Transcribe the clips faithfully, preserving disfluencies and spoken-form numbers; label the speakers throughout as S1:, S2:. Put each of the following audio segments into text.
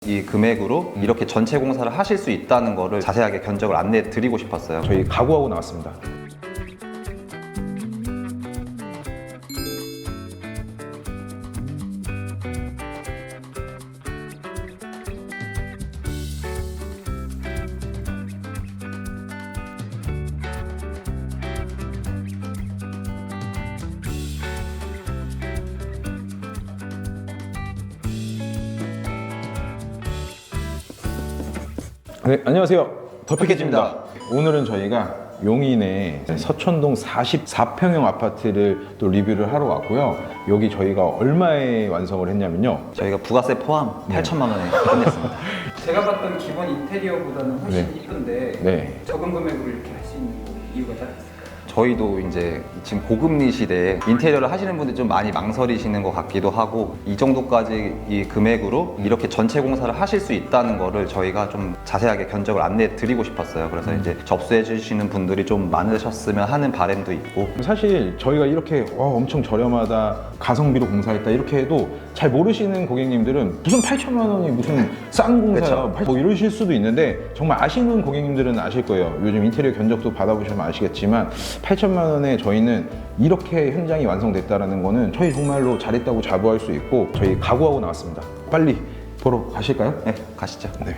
S1: 이 금액으로 이렇게 전체 공사를 하실 수 있다는 거를 자세하게 견적을 안내해 드리고 싶었어요.
S2: 저희 각오하고 나왔습니다. 네, 안녕하세요. 더피켓입니다. 오늘은 저희가 용인의 서천동 사십사 평형 아파트를 또 리뷰를 하러 왔고요. 여기 저희가 얼마에 완성을 했냐면요.
S1: 저희가 부가세 포함 팔천만 원에 끝냈습니다.
S3: 제가 봤던 기본 인테리어보다는 훨씬
S2: 네.
S3: 이쁜데
S2: 네.
S3: 적은 금액으로 이렇게 할 수 있는 이유가 따로 있을까요?
S1: 저희도 이제 지금 고금리 시대에 인테리어를 하시는 분들이 좀 많이 망설이시는 것 같기도 하고, 이 정도까지 이 금액으로 이렇게 전체 공사를 하실 수 있다는 거를 저희가 좀 자세하게 견적을 안내해 드리고 싶었어요. 그래서 이제 접수해 주시는 분들이 좀 많으셨으면 하는 바람도 있고.
S2: 사실 저희가 이렇게 와, 엄청 저렴하다, 가성비로 공사했다 이렇게 해도 잘 모르시는 고객님들은 무슨 팔천만 원이 무슨 싼 공사야 뭐 이러실 수도 있는데, 정말 아시는 고객님들은 아실 거예요. 요즘 인테리어 견적도 받아보시면 아시겠지만 팔천만 원에 저희는 이렇게 현장이 완성됐다는 거는 저희 정말로 잘했다고 자부할 수 있고, 저희 각오하고 나왔습니다. 빨리 보러 가실까요?
S1: 네, 가시죠.
S2: 네.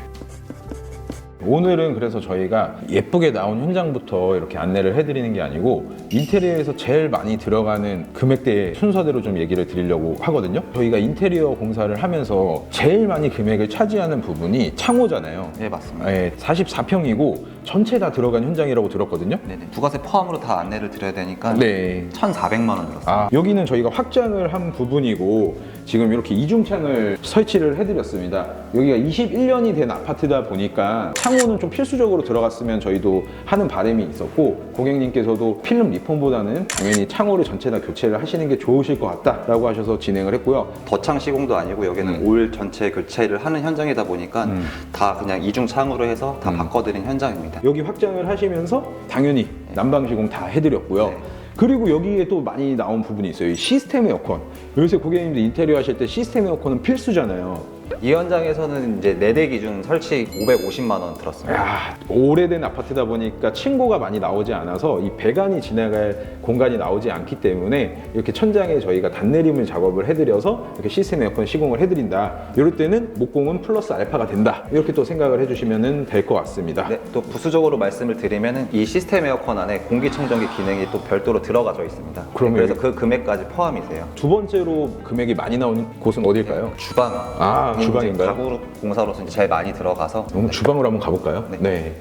S2: 오늘은 그래서 저희가 예쁘게 나온 현장부터 이렇게 안내를 해드리는 게 아니고, 인테리어에서 제일 많이 들어가는 금액대의 순서대로 좀 얘기를 드리려고 하거든요. 저희가 인테리어 공사를 하면서 제일 많이 금액을 차지하는 부분이 창호잖아요.
S1: 네, 맞습니다.
S2: 네, 사십사 평이고 전체 다 들어간 현장이라고 들었거든요.
S1: 네네. 부가세 포함으로 다 안내를 드려야 되니까
S2: 네.
S1: 천사백만 원 들었어요.
S2: 아, 여기는 저희가 확장을 한 부분이고 지금 이렇게 이중창을 설치를 해드렸습니다. 여기가 이십일 년이 된 아파트다 보니까 창호는 좀 필수적으로 들어갔으면 저희도 하는 바람이 있었고, 고객님께서도 필름 리폼보다는 당연히 창호를 전체 다 교체를 하시는 게 좋으실 것 같다라고 하셔서 진행을 했고요.
S1: 더창 시공도 아니고 여기는
S2: 음.
S1: 올 전체 교체를 하는 현장이다 보니까
S2: 음.
S1: 다 그냥 이중창으로 해서 다
S2: 음.
S1: 바꿔드린 현장입니다.
S2: 여기 확장을 하시면서 당연히 난방 시공 다 해드렸고요.
S1: 네.
S2: 그리고 여기에 또 많이 나온 부분이 있어요. 이 시스템 에어컨. 요새 고객님들 인테리어 하실 때 시스템 에어컨은 필수잖아요.
S1: 이 현장에서는 이제 네 대 기준 설치 오백오십만 원 들었습니다.
S2: 야, 오래된 아파트다 보니까 층고가 많이 나오지 않아서 이 배관이 지나갈 공간이 나오지 않기 때문에 이렇게 천장에 저희가 단내림을 작업을 해드려서 이렇게 시스템 에어컨 시공을 해드린다. 이럴 때는 목공은 플러스 알파가 된다. 이렇게 또 생각을 해주시면 될 것 같습니다.
S1: 네, 또 부수적으로 말씀을 드리면 이 시스템 에어컨 안에 공기청정기 기능이 또 별도로 들어가져 있습니다.
S2: 그러면
S1: 그래서
S2: 여기-
S1: 그 금액까지 포함이세요.
S2: 두 번째로 금액이 많이 나오는 곳은 어딜까요?
S1: 주방.
S2: 아,
S1: 이제
S2: 주방인가요?
S1: 가구 공사로서 이제 제일 많이 들어가서
S2: 그럼 주방으로 한번 가볼까요?
S1: 네.
S2: 네.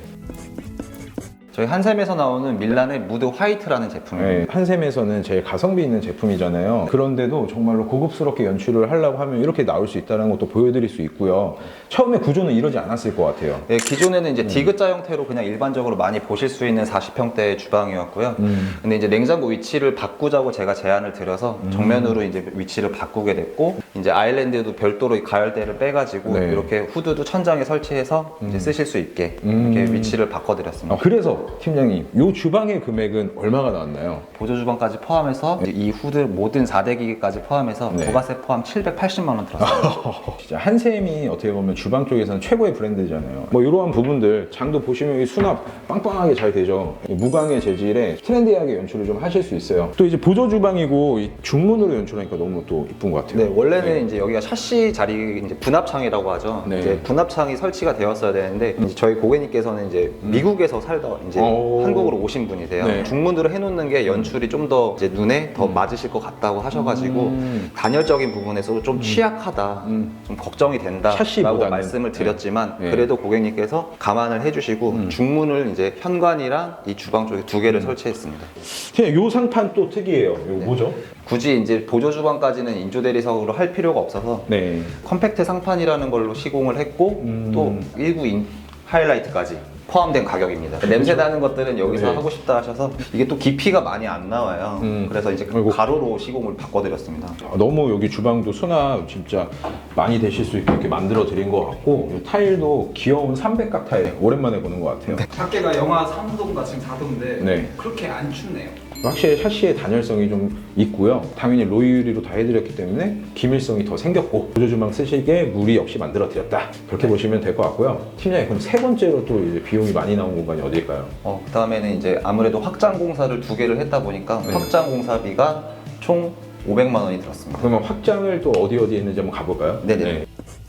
S1: 저희 한샘에서 나오는 밀란의 무드 화이트라는 제품입니다.
S2: 네, 한샘에서는 제일 가성비 있는 제품이잖아요. 그런데도 정말로 고급스럽게 연출을 하려고 하면 이렇게 나올 수 있다는 것도 보여드릴 수 있고요. 처음에 구조는 이러지 않았을 것 같아요.
S1: 네, 기존에는
S2: 음.
S1: 이제 디귿자 형태로 그냥 일반적으로 많이 보실 수 있는 사십 평대의 주방이었고요.
S2: 음.
S1: 근데 이제 냉장고 위치를 바꾸자고 제가 제안을 드려서
S2: 음.
S1: 정면으로 이제 위치를 바꾸게 됐고, 이제 아일랜드도 별도로 가열대를 빼가지고
S2: 네.
S1: 이렇게 후드도 천장에 설치해서 이제 쓰실 수 있게 이렇게
S2: 음.
S1: 위치를 바꿔드렸습니다.
S2: 아, 그래서 팀장님, 이 주방의 금액은 얼마가 나왔나요?
S1: 보조 주방까지 포함해서 이제 이 후드 모든 사 대 기기까지 포함해서
S2: 네.
S1: 부가세 포함 칠백팔십만 원 들었어요.
S2: 진짜 한샘이 어떻게 보면 주방 쪽에서는 최고의 브랜드잖아요. 뭐 이러한 부분들 장도 보시면 이 수납 빵빵하게 잘 되죠. 무광의 재질에 트렌디하게 연출을 좀 하실 수 있어요. 또 이제 보조 주방이고 이 중문으로 연출하니까 너무 또 이쁜 것 같아요.
S1: 네, 원래는
S2: 네.
S1: 이제 여기가 샤시 자리 이제 분합창이라고 하죠.
S2: 네.
S1: 이제 분합창이 설치가 되었어야 되는데 이제 저희 고객님께서는 이제 미국에서 살다 이제
S2: 오.
S1: 한국으로 오신 분이세요.
S2: 네.
S1: 중문으로 해놓는 게 연출이 좀 더 이제 눈에 더 맞으실 것 같다고 하셔가지고
S2: 음.
S1: 단열적인 부분에서 좀 취약하다,
S2: 음.
S1: 좀 걱정이 된다라고
S2: 샤시보다는.
S1: 말씀을 드렸지만
S2: 네.
S1: 그래도 고객님께서 감안을 해주시고
S2: 음.
S1: 중문을 이제 현관이랑 이 주방 쪽에 두 개를 설치했습니다.
S2: 그냥 요 상판 또 특이해요. 이거
S1: 네.
S2: 뭐죠?
S1: 굳이 이제 보조 주방까지는 인조 대리석으로 할 필요가 없어서
S2: 네.
S1: 컴팩트 상판이라는 걸로 시공을 했고
S2: 음.
S1: 또 일부 인, 하이라이트까지 포함된 가격입니다. 냄새 나는 것들은 여기서
S2: 네.
S1: 하고 싶다 하셔서 이게 또 깊이가 많이 안 나와요.
S2: 음.
S1: 그래서 이제
S2: 아이고.
S1: 가로로 시공을 바꿔드렸습니다.
S2: 아, 너무 여기 주방도 수납 진짜 많이 되실 수 있게 이렇게 만들어 드린 것 같고, 이 타일도 귀여운 삼백각 타일 오랜만에 보는 것 같아요.
S3: 밖에가 영하 삼 도인가 지금 사 도인데
S2: 네.
S3: 그렇게 안 춥네요.
S2: 확실히 샤시의 단열성이 좀 있고요. 당연히 로이유리로 다 해드렸기 때문에 기밀성이 더 생겼고 보조주망 쓰시기에 무리 없이 만들어 드렸다. 그렇게 보시면 될 것 같고요. 팀장님, 그럼 세 번째로 또 이제 비용이 많이 나온 공간이 어디일까요?
S1: 어, 그 다음에는 이제 아무래도 확장 공사를 두 개를 했다 보니까
S2: 네.
S1: 확장 공사비가 총 오백만 원이 들었습니다.
S2: 그러면 확장을 또 어디 어디 했는지 한번 가볼까요?
S1: 네네.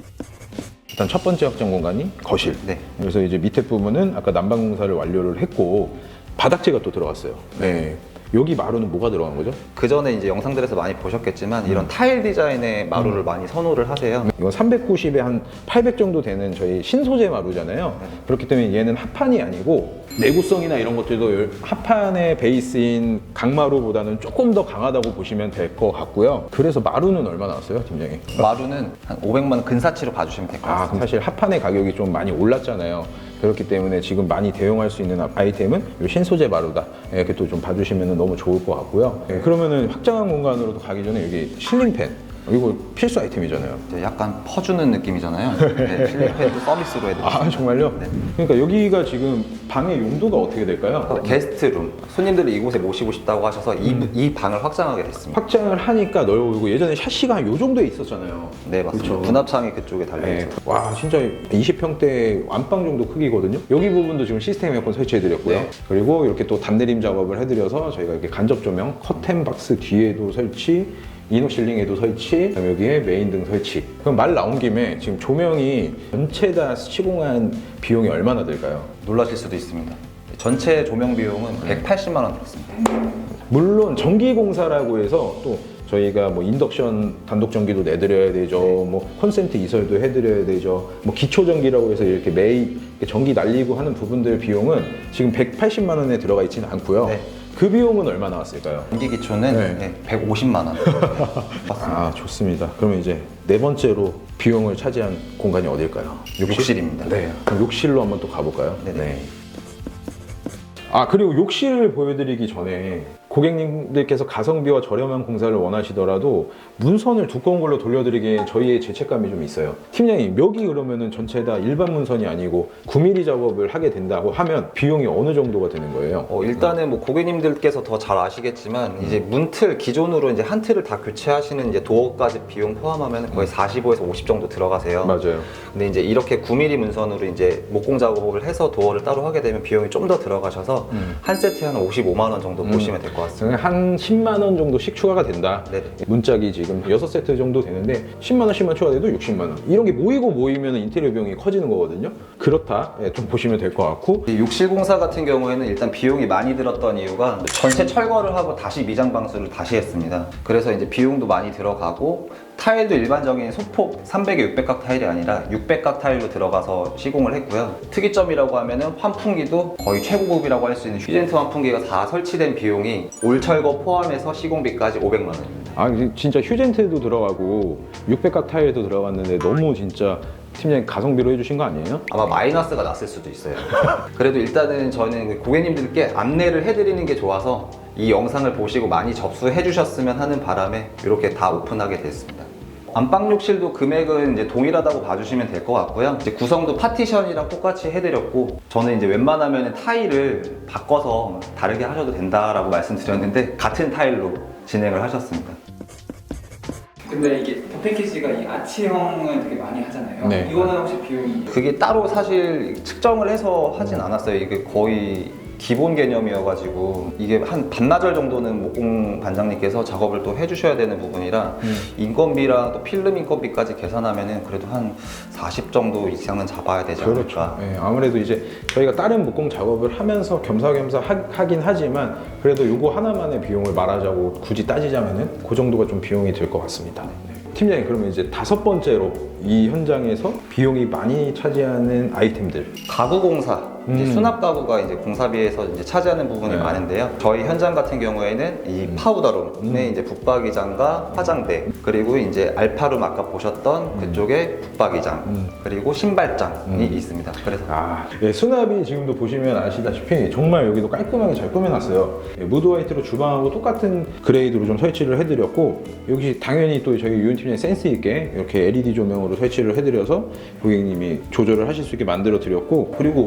S2: 일단 첫 번째 확장 공간이 거실.
S1: 네.
S2: 그래서 이제 밑에 부분은 아까 난방 공사를 완료를 했고 바닥재가 또 들어갔어요. 네. 여기 마루는 뭐가 들어간 거죠?
S1: 그 전에 이제 영상들에서 많이 보셨겠지만
S2: 음.
S1: 이런 타일 디자인의 마루를 많이 선호를 하세요.
S2: 이건 삼백구십에 한 팔백 정도 되는 저희 신소재 마루잖아요. 그렇기 때문에 얘는 합판이 아니고 내구성이나 이런 것들도 합판의 베이스인 강마루보다는 조금 더 강하다고 보시면 될 것 같고요. 그래서 마루는 얼마 나왔어요, 팀장님?
S1: 마루는 한 오백만 원 근사치로 봐주시면 될 것
S2: 아,
S1: 같습니다.
S2: 그럼 사실 합판의 가격이 좀 많이 올랐잖아요. 그렇기 때문에 지금 많이 대용할 수 있는 아이템은 이 신소재 마루다. 이렇게 또 좀 봐주시면 너무 좋을 것 같고요. 네, 그러면은 확장한 공간으로도 가기 전에 여기 실링팬. 이거 필수 아이템이잖아요.
S1: 이제 약간 퍼주는 느낌이잖아요. 네, 실리팬도 서비스로 해드립니다.
S2: 아, 정말요?
S1: 네.
S2: 그러니까 여기가 지금 방의 용도가 어떻게 될까요?
S1: 게스트룸, 손님들을 이곳에 모시고 싶다고 하셔서 이,
S2: 음.
S1: 이 방을 확장하게 됐습니다.
S2: 확장을 하니까 넓어 보이고 예전에 샤시가 한 요 정도에 있었잖아요.
S1: 네, 맞습니다.
S2: 그렇죠.
S1: 분합창이 그쪽에 달려있죠.
S2: 네. 와, 진짜 이십 평대 안방 정도 크기거든요. 여기 부분도 지금 시스템 에어컨 설치해드렸고요.
S1: 네.
S2: 그리고 이렇게 또 단내림 작업을 해드려서 저희가 이렇게 간접 조명, 커튼 박스 뒤에도 설치, 이노 실링에도 설치, 그다음에 여기에 메인 등 설치. 그럼 말 나온 김에 지금 조명이 전체 다 시공한 비용이 얼마나 들까요?
S1: 놀라실 수도 있습니다. 전체 조명 비용은 백팔십만 원 들었습니다.
S2: 물론 전기공사라고 해서 또 저희가 뭐 인덕션 단독 전기도 내드려야 되죠. 뭐 콘센트 이설도 해드려야 되죠. 뭐 기초 전기라고 해서 이렇게 매일 전기 날리고 하는 부분들 비용은 지금 백팔십만 원에 들어가 있지는 않고요.
S1: 네.
S2: 그 비용은 얼마 나왔을까요?
S1: 전기 기초는
S2: 네.
S1: 네, 백오십만 원. 맞습니다.
S2: 아, 좋습니다. 그러면 이제 네 번째로 비용을 차지한 공간이 어딜까요?
S1: 욕실입니다.
S2: 네. 그럼 욕실로 한번 또 가볼까요?
S1: 네네.
S2: 네. 아, 그리고 욕실을 보여드리기 전에 고객님들께서 가성비와 저렴한 공사를 원하시더라도 문선을 두꺼운 걸로 돌려드리기엔 저희의 죄책감이 좀 있어요. 팀장님, 여기 그러면은 전체 다 일반 문선이 아니고 구 밀리미터 작업을 하게 된다고 하면 비용이 어느 정도가 되는 거예요?
S1: 어, 일단은 뭐 고객님들께서 더 잘 아시겠지만 이제 문틀 기존으로 이제 한 틀을 다 교체하시는 이제 도어까지 비용 포함하면 거의 사십오에서 오십 정도 들어가세요.
S2: 맞아요. 근데
S1: 근데 이제 이렇게 구 밀리미터 문선으로 이제 목공 작업을 해서 도어를 따로 하게 되면 비용이 좀 더 들어가셔서
S2: 음.
S1: 한 세트에 한 오십오만 원 정도 보시면 될 것 같습니다.
S2: 한 십만 원 정도씩 추가가 된다.
S1: 네네.
S2: 문짝이 지금 여섯 세트 정도 되는데 십만 원씩만 추가돼도 육십만 원. 이런 게 모이고 모이면 인테리어 비용이 커지는 거거든요. 그렇다. 예, 좀 보시면 될 것 같고.
S1: 이 욕실 공사 같은 경우에는 일단 비용이 많이 들었던 이유가 전체 철거를 하고 다시 미장 방수를 다시 했습니다. 그래서 이제 비용도 많이 들어가고 타일도 일반적인 소폭 삼백에 육백 각 타일이 아니라 육백 각 타일로 들어가서 시공을 했고요. 특이점이라고 하면은 환풍기도 거의 최고급이라고 할 수 있는 휴젠트 환풍기가 다 설치된 비용이 올 철거 포함해서 시공비까지 오백만 원입니다.
S2: 아, 진짜 휴젠트도 들어가고 육백 각 타일도 들어갔는데 너무 진짜 팀장님 가성비로 해주신 거 아니에요?
S1: 아마 마이너스가 났을 수도 있어요. 그래도 일단은 저는 고객님들께 안내를 해드리는 게 좋아서 이 영상을 보시고 많이 접수해 주셨으면 하는 바람에 이렇게 다 오픈하게 됐습니다. 안방 욕실도 금액은 이제 동일하다고 봐주시면 될 것 같고요. 이제 구성도 파티션이랑 똑같이 해드렸고 저는 이제 웬만하면 타일을 바꿔서 다르게 하셔도 된다라고 말씀드렸는데 같은 타일로 진행을 하셨습니다.
S3: 근데 이게 더 패키지가 이 아치형은 되게 많이 하잖아요.
S2: 네.
S3: 이거는 혹시 비용이
S1: 그게 따로 사실 측정을 해서 하진 않았어요. 이게 거의 기본 개념이어가지고 이게 한 반나절 정도는 목공 반장님께서 작업을 또 해주셔야 되는 부분이라
S2: 음.
S1: 인건비랑 또 필름 인건비까지 계산하면은 그래도 한 사십 정도 이상은 잡아야 되지
S2: 그렇죠.
S1: 않을까.
S2: 예, 아무래도 이제 저희가 다른 목공 작업을 하면서 겸사겸사 하, 하긴 하지만 그래도 요거 하나만의 비용을 말하자고 굳이 따지자면은 그 정도가 좀 비용이 들 것 같습니다. 네. 팀장님, 그러면 이제 다섯 번째로 이 현장에서 비용이 많이 차지하는 아이템들.
S1: 가구 공사, 이제
S2: 음.
S1: 수납 가구가 이제 공사비에서 이제 차지하는 부분이
S2: 네.
S1: 많은데요. 저희 현장 같은 경우에는 이 파우더룸에 이제 붙박이장과 화장대, 그리고 이제 알파룸 아까 보셨던 그쪽에 붙박이장,
S2: 음.
S1: 그리고 신발장이
S2: 음.
S1: 있습니다. 그래서
S2: 아, 예, 수납이 지금도 보시면 아시다시피 정말 여기도 깔끔하게 잘 꾸며놨어요. 예, 무드 화이트로 주방하고 똑같은 그레이드로 좀 설치를 해드렸고 여기 당연히 또 저희 유인팀장이 센스 있게 이렇게 엘이디 조명으로 설치를 해드려서 고객님이 조절을 하실 수 있게 만들어 드렸고 그리고 아시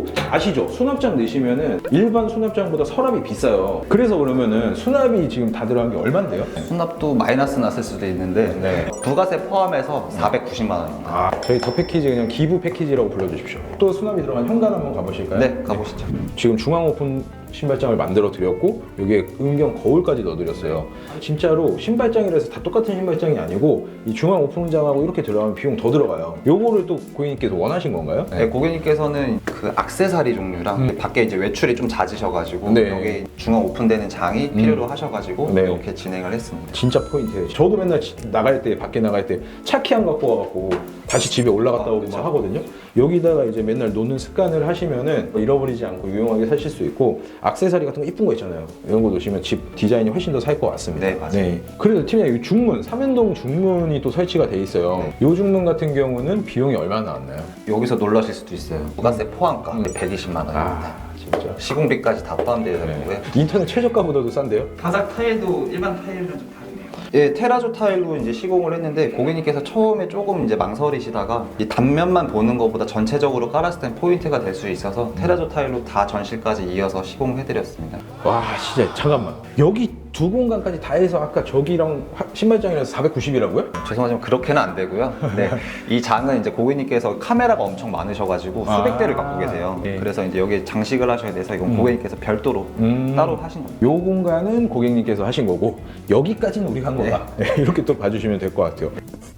S2: 아시죠? 수납장 넣으시면은 일반 수납장보다 서랍이 비싸요. 그래서 그러면은 수납이 지금 다 들어간 게 얼만데요?
S1: 수납도 마이너스 났을 수도 있는데
S2: 네.
S1: 부가세 포함해서 사백구십만 원입니다.
S2: 아, 저희 더 패키지 그냥 기부 패키지라고 불러주십시오. 또 수납이 들어간 현관 한번 가보실까요?
S1: 네, 가보시죠.
S2: 지금 중앙 오픈 신발장을 만들어 드렸고 여기에 은경 거울까지 넣어 드렸어요. 진짜로 신발장이라서 다 똑같은 신발장이 아니고 이 중앙 오픈장하고 이렇게 들어가면 비용 더 들어가요. 요거를 또 고객님께서 원하신 건가요?
S1: 네, 고객님께서는 그 악세사리 종류랑
S2: 음.
S1: 밖에 이제 외출이 좀 잦으셔가지고
S2: 네.
S1: 여기 중앙 오픈되는 장이
S2: 음.
S1: 필요로 하셔가지고
S2: 네.
S1: 이렇게 진행을 했습니다.
S2: 진짜 포인트예요. 저도 맨날 지- 나갈 때 밖에 나갈 때 차키 안 갖고 와갖고 다시 집에 올라갔다
S1: 아,
S2: 오고
S1: 그쵸.
S2: 막 하거든요. 여기다가 이제 맨날 놓는 습관을 하시면은 잃어버리지 않고 유용하게 사실 수 있고 악세사리 같은 거 이쁜 거 있잖아요. 이런 거 놓으시면 집 디자인이 훨씬 더 살 것 같습니다.
S1: 네, 맞아요.
S2: 그래서 팀장님 이 중문, 삼연동 중문이 또 설치가 돼 있어요.
S1: 네.
S2: 이 중문 같은 경우는 비용이 얼마나 나왔나요?
S1: 여기서 놀라실 수도 있어요. 부가세 포함가
S2: 음.
S1: 백이십만 원입니다.
S2: 아 진짜.
S1: 시공비까지 다 포함되어 있고요.
S2: 네. 인터넷 최저가보다도 싼데요?
S3: 바닥 타일도 일반 타일이랑 좀 다르네요.
S1: 예, 테라조 타일로 이제 시공을 했는데 고객님께서 처음에 조금 이제 망설이시다가 이 단면만 보는 것보다 전체적으로 깔았을 땐 포인트가 될 수 있어서 테라조 타일로 다 전실까지 이어서 시공해드렸습니다.
S2: 와 진짜 잠깐만 여기 두 공간까지 다 해서 아까 저기랑 화- 신발장이라서 사백구십이라고요?
S1: 죄송하지만 그렇게는 안 되고요. 네, 이 장은 이제 고객님께서 카메라가 엄청 많으셔가지고 수백
S2: 아,
S1: 대를 갖고 계세요.
S2: 네.
S1: 그래서 이제 여기 장식을 하셔야 돼서 이건
S2: 음.
S1: 고객님께서 별도로
S2: 음.
S1: 따로 하신 겁니다.
S2: 요 공간은 고객님께서 하신 거고 여기까지는 우리가 한 거다. 네, 이렇게 또 봐주시면 될 것 같아요.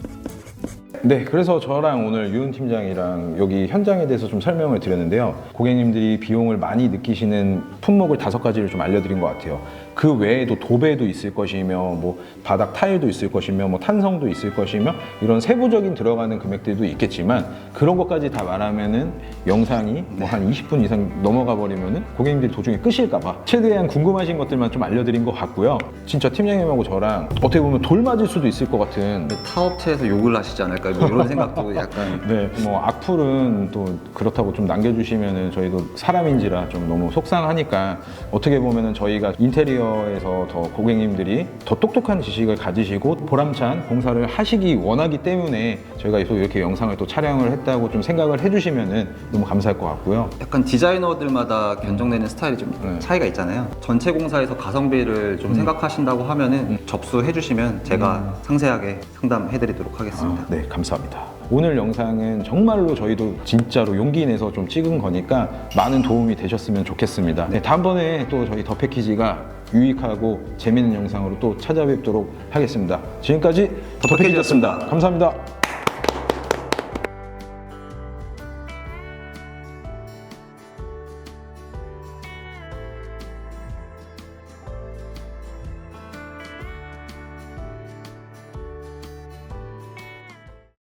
S2: 네, 그래서 저랑 오늘 유은 팀장이랑 여기 현장에 대해서 좀 설명을 드렸는데요. 고객님들이 비용을 많이 느끼시는 품목을 다섯 가지를 좀 알려드린 것 같아요. 그 외에도 도배도 있을 것이며, 뭐 바닥 타일도 있을 것이며, 뭐 탄성도 있을 것이며, 이런 세부적인 들어가는 금액들도 있겠지만 그런 것까지 다 말하면은 영상이 뭐 한 이십 분 이상 넘어가 버리면은 고객님들이 도중에 끄실까봐 최대한 궁금하신 것들만 좀 알려드린 것 같고요. 진짜 팀장님하고 저랑 어떻게 보면 돌 맞을 수도 있을 것 같은.
S1: 타업체에서 욕을 하시지 않을까 뭐 이런 생각도 약간
S2: 네, 뭐 악플은 또 그렇다고 좀 남겨주시면은 저희도 사람인지라 좀 너무 속상하니까 어떻게 보면은 저희가 인테리어에서 더 고객님들이 더 똑똑한 지식을 가지시고 보람찬 공사를 하시기 원하기 때문에 저희가 또 이렇게 영상을 또 촬영을 했다고 좀 생각을 해주시면은 너무 감사할 것 같고요.
S1: 약간 디자이너들마다 견적내는 스타일이 좀
S2: 네.
S1: 차이가 있잖아요. 전체 공사에서 가성비를 좀 생각하신다고 하면은 접수해 주시면 제가 상세하게 상담해드리도록 하겠습니다.
S2: 아, 네, 감사합니다. 오늘 영상은 정말로 저희도 진짜로 용기 내서 좀 찍은 거니까 많은 도움이 되셨으면 좋겠습니다. 네, 다음번에 또 저희 더 패키지가 유익하고 재밌는 영상으로 또 찾아뵙도록 하겠습니다. 지금까지 더 패키지였습니다. 감사합니다.